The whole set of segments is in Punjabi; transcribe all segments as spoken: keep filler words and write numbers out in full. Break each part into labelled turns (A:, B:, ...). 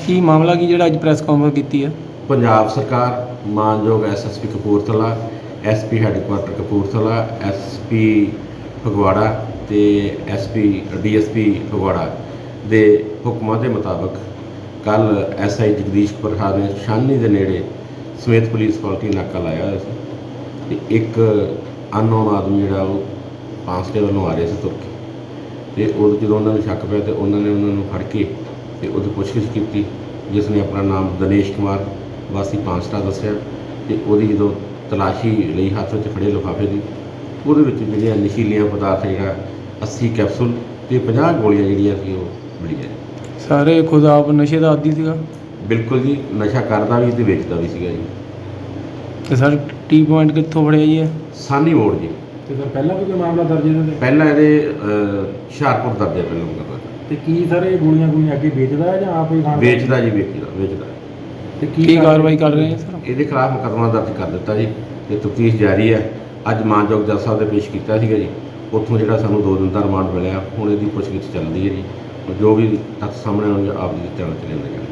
A: ਕੀ ਮਾਮਲਾ ਕੀ ਜਿਹੜਾ ਅੱਜ ਪ੍ਰੈਸ ਕਾਨਫਰੰਸ ਕੀਤੀ ਹੈ?
B: ਪੰਜਾਬ ਸਰਕਾਰ ਮਾਨਯੋਗ SSP Kapurthala, SP headquarter Kapurthala, SP Phagwara ਤੇ ਐਸਪੀ ਡੀਐਸਪੀ ਫਗਵਾੜਾ ਦੇ ਹੁਕਮਾਂ ਦੇ ਮੁਤਾਬਕ ਕੱਲ ਐਸਆਈ ਜਗਦੀਸ਼ ਪ੍ਰਸਾਦ ਨੇ ਛਾਨਣੀ ਦੇ ਨੇੜੇ ਸਮੇਤ ਪੁਲਿਸ ਪਾਰਟੀ ਨਾਕਾ ਲਾਇਆ ਹੋਇਆ ਸੀ ਤੇ ਇੱਕ ਅਨਨੋਨ ਆਦਮੀ ਜਿਹੜਾ ਉਹ ਪਾਂਸਟੇ ਵੱਲੋਂ ਆ ਰਿਹਾ ਸੀ ਤੁਰ ਕੇ, ਤੇ ਉਹ ਜਦੋਂ ਉਹਨਾਂ ਨੂੰ ਸ਼ੱਕ ਪਿਆ ਤੇ ਉਹਨਾਂ ਨੇ ਉਹਨਾਂ ਨੂੰ ਫੜ ਕੇ ਤੇ ਉਹਦੀ ਪੁੱਛਗਿੱਛ ਕੀਤੀ, ਜਿਸ ਨੇ ਆਪਣਾ ਨਾਮ ਦਿਨੇਸ਼ ਕੁਮਾਰ ਵਾਸੀ ਪਾਂਸਟਾ ਦੱਸਿਆ। ਤੇ ਉਹਦੀ ਜਦੋਂ ਤਲਾਸ਼ੀ ਲਈ ਹੱਥ ਵਿੱਚ ਫੜੇ ਲਿਫਾਫੇ ਦੀ, ਉਹਦੇ ਵਿੱਚ ਜਿਹੜੀਆਂ ਨਸ਼ੀਲੀਆਂ ਪਦਾਰਥ ਜਿਹੜਾ ਅੱਸੀ ਕੈਪਸੂਲ ਤੇ ਪੰਜਾਹ ਗੋਲੀਆਂ ਜਿਹੜੀਆਂ ਸੀ ਉਹ ਮਿਲੀਆਂ।
A: ਸਾਰੇ ਖੁਦ ਆਪ ਨਸ਼ੇ ਦਾ ਆਦੀ ਸੀਗਾ?
B: ਬਿਲਕੁਲ ਜੀ, ਨਸ਼ਾ ਕਰਦਾ ਵੀ ਤੇ ਵੇਚਦਾ ਵੀ ਸੀਗਾ ਜੀ।
A: ਤੇ ਸਰ ਟੀ ਪੁਆਇੰਟ ਕਿੱਥੋਂ ਫੜਿਆ ਜੀ ਇਹ?
B: ਸਾਨੀ ਮੋੜ ਜੀ।
C: ਤੇ ਸਰ ਪਹਿਲਾਂ ਵੀ ਕੋਈ ਮਾਮਲਾ ਦਰਜ ਇਹਨਾਂ ਦੇ?
B: ਪਹਿਲਾਂ ਇਹਦੇ ਅਹ, ਹੁਸ਼ਿਆਰਪੁਰ ਦਰਜ ਹੈ ਪਹਿਲਾਂ ਮੁਕੱਦਮਾ।
C: ਤੇ ਕੀ ਸਰ ਇਹ ਗੋਲੀਆਂ ਗੋਲੀਆਂ ਅੱਗੇ ਵੇਚਦਾ ਹੈ ਜਾਂ ਆਪ ਹੀ ਖਾਣ?
B: ਵੇਚਦਾ ਜੀ, ਵੇਚਦਾ ਵੇਚਦਾ
C: ਤੇ
A: ਕੀ ਕਾਰਵਾਈ ਕਰ ਰਹੇ ਹੈ ਸਰ?
B: ਇਹਦੇ ਖਿਲਾਫ ਮੁਕੱਦਮਾ ਦਰਜ ਕਰ ਦਿੱਤਾ ਜੀ ਤੇ ਤਫਤੀਸ਼ ਜਾਰੀ ਹੈ। ਅੱਜ ਮਾਨਯੋਗ ਜੱਜ ਸਾਹਿਬ ਦੇ ਪੇਸ਼ ਕੀਤਾ ਸੀਗਾ ਜੀ, ਉੱਥੋਂ ਜਿਹੜਾ ਸਾਨੂੰ ਦੋ ਦਿਨ ਦਾ ਰਿਮਾਂਡ ਮਿਲਿਆ। ਹੁਣ ਇਹਦੀ ਪੁੱਛਗਿੱਛ ਚੱਲਦੀ ਹੈ ਜੀ, ਜੋ ਵੀ ਤੱਥ ਸਾਹਮਣੇ ਆਉਣਗੇ ਆਪ ਜੀ ਦੇ ਧਿਆਨ 'ਚ ਲਿਆਂਦੇ ਜਾਣਗੇ।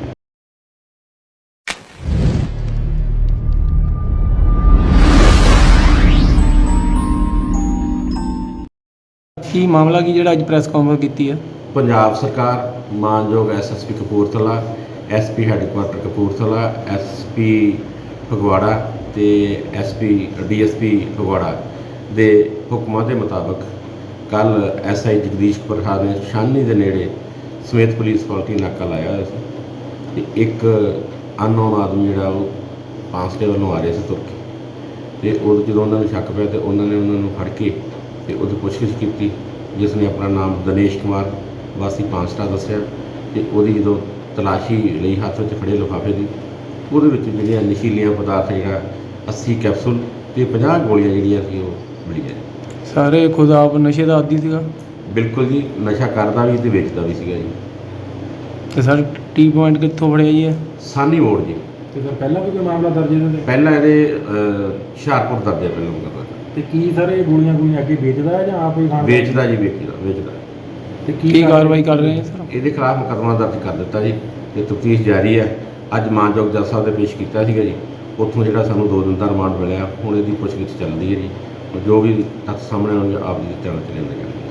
A: ਕੀ ਮਾਮਲਾ ਕੀ ਜਿਹੜਾ ਅੱਜ ਪ੍ਰੈਸ ਕਾਨਫਰੰਸ ਕੀਤੀ ਹੈ?
B: ਪੰਜਾਬ ਸਰਕਾਰ ਮਾਨਯੋਗ SSP Kapurthala, SP headquarter Kapurthala, SP Phagwara ਤੇ ਐਸਪੀ ਡੀਐਸਪੀ ਫਗਵਾੜਾ ਦੇ ਹੁਕਮਾਂ ਦੇ ਮੁਤਾਬਕ ਕੱਲ ਐਸਆਈ ਜਗਦੀਸ਼ ਪ੍ਰਸਾਦ ਨੇ ਛਾਨਣੀ ਦੇ ਨੇੜੇ ਸਮੇਤ ਪੁਲਿਸ ਪਾਰਟੀ ਨਾਕਾ ਲਾਇਆ ਹੋਇਆ ਸੀ ਤੇ ਇੱਕ ਅਨਨੋਨ ਆਦਮੀ ਜਿਹੜਾ ਉਹ ਪਾਂਸਟੇ ਵੱਲੋਂ ਆ ਰਿਹਾ ਸੀ ਤੁਰ ਕੇ, ਤੇ ਉਹ ਜਦੋਂ ਉਹਨਾਂ ਨੂੰ ਸ਼ੱਕ ਪਿਆ ਤੇ ਉਹਨਾਂ ਨੇ ਉਹਨਾਂ ਨੂੰ ਫੜ ਕੇ ਤੇ ਉਹਦੀ ਪੁੱਛਗਿੱਛ ਕੀਤੀ, ਜਿਸ ਨੇ ਆਪਣਾ ਨਾਮ ਦਿਨੇਸ਼ ਕੁਮਾਰ ਵਾਸੀ ਪਾਂਸਟਾ ਦੱਸਿਆ। ਤੇ ਉਹਦੀ ਜਦੋਂ ਤਲਾਸ਼ੀ ਲਈ ਹੱਥ ਵਿੱਚ ਫੜੇ ਲਿਫਾਫੇ ਦੀ, ਉਹਦੇ ਵਿੱਚ ਜਿਹੜੀਆਂ ਨਸ਼ੀਲੀਆਂ ਪਦਾਰਥ ਜਿਹੜਾ ਅੱਸੀ ਕੈਪਸੂਲ ਤੇ ਪੰਜਾਹ ਗੋਲੀਆਂ ਜਿਹੜੀਆਂ ਸੀ ਉਹ ਮਿਲੀਆਂ।
A: ਸਾਰੇ ਖੁਦ ਆਪ ਨਸ਼ੇ ਦਾ ਆਦੀ ਸੀਗਾ?
B: ਬਿਲਕੁਲ ਜੀ, ਨਸ਼ਾ ਕਰਦਾ ਵੀ ਤੇ ਵੇਚਦਾ ਵੀ ਸੀਗਾ ਜੀ।
A: ਤੇ ਸਰ ਟੀ ਪੁਆਇੰਟ ਕਿੱਥੋਂ ਫੜਿਆ ਜੀ ਇਹ?
B: ਸਾਨੀ ਮੋੜ ਜੀ।
C: ਤੇ ਸਰ ਪਹਿਲਾਂ ਵੀ ਕੋਈ ਮਾਮਲਾ ਦਰਜ ਇਹਨਾਂ ਦੇ?
B: ਪਹਿਲਾਂ ਇਹਦੇ ਅਹ, ਹੁਸ਼ਿਆਰਪੁਰ ਦਰਜ ਹੈ ਪਹਿਲਾਂ ਮੁਕੱਦਮਾ।
C: ਤੇ ਕੀ ਸਰ ਇਹ ਗੋਲੀਆਂ ਗੋਲੀਆਂ ਅੱਗੇ ਵੇਚਦਾ ਹੈ ਜਾਂ ਆਪ ਹੀ ਖਾਣ?
B: ਵੇਚਦਾ ਜੀ, ਵੇਚਦਾ ਵੇਚਦਾ
C: ਤੇ
A: ਕੀ ਕਾਰਵਾਈ ਕਰ ਰਹੇ ਹੈ ਸਰ?
B: ਇਹਦੇ ਖਿਲਾਫ ਮੁਕੱਦਮਾ ਦਰਜ ਕਰ ਦਿੱਤਾ ਜੀ ਤੇ ਤਫਤੀਸ਼ ਜਾਰੀ ਹੈ। ਅੱਜ ਮਾਨਯੋਗ ਜੱਜ ਸਾਹਿਬ ਦੇ ਪੇਸ਼ ਕੀਤਾ ਸੀਗਾ ਜੀ, ਉੱਥੋਂ ਜਿਹੜਾ ਸਾਨੂੰ ਦੋ ਦਿਨ ਦਾ ਰਿਮਾਂਡ ਮਿਲਿਆ। ਹੁਣ ਇਹਦੀ ਪੁੱਛਗਿੱਛ ਚੱਲਦੀ ਹੈ ਜੀ, ਜੋ ਵੀ ਤੱਥ ਸਾਹਮਣੇ ਆਉਣਗੇ ਆਪ ਜੀ ਦੇ ਧਿਆਨ 'ਚ ਲਿਆਂਦੇ ਜਾਣਗੇ।